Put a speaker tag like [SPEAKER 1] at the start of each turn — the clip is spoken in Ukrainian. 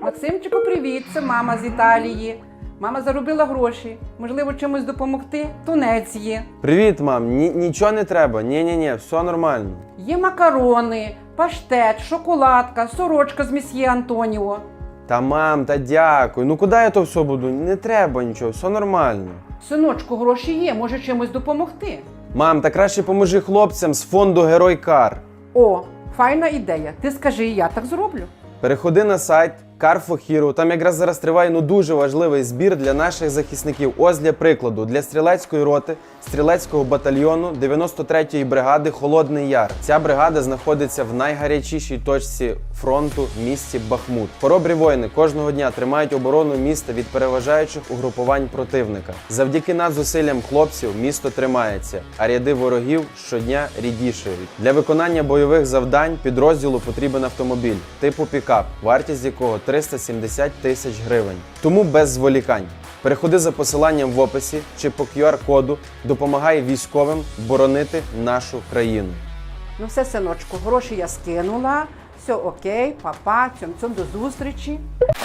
[SPEAKER 1] Максимчику, привіт! Це мама з Італії. Мама заробила гроші. Можливо, чимось допомогти? Тунець є.
[SPEAKER 2] Привіт, мам. Нічого не треба. Ні, все нормально.
[SPEAKER 1] Є макарони, паштет, шоколадка, сорочка з месьє Антоніо.
[SPEAKER 2] Та мам, та дякую. Ну куди я то все буду? Не треба нічого, все нормально.
[SPEAKER 1] Синочку, гроші є, може чимось допомогти.
[SPEAKER 2] Мам, та краще поможи хлопцям з фонду Герой Кар.
[SPEAKER 1] О, файна ідея. Ти скажи, я так зроблю.
[SPEAKER 2] Переходи на сайт Car for Hero. Там якраз зараз триває дуже важливий збір для наших захисників. Ось для прикладу, для стрілецької роти, стрілецького батальйону 93-ї бригади Холодний Яр. Ця бригада знаходиться в найгарячішій точці фронту в місті Бахмут. Хоробрі воїни кожного дня тримають оборону міста від переважаючих угрупувань противника. Завдяки надзусиллям хлопців місто тримається, а ряди ворогів щодня рідішають. Для виконання бойових завдань підрозділу потрібен автомобіль типу пікап, вартість якого 370 тисяч гривень. Тому без зволікань. Переходи за посиланням в описі чи по QR-коду, допомагай військовим боронити нашу країну.
[SPEAKER 1] Ну все, синочку, гроші я скинула. Все окей, папа, цьом-цьом, до зустрічі.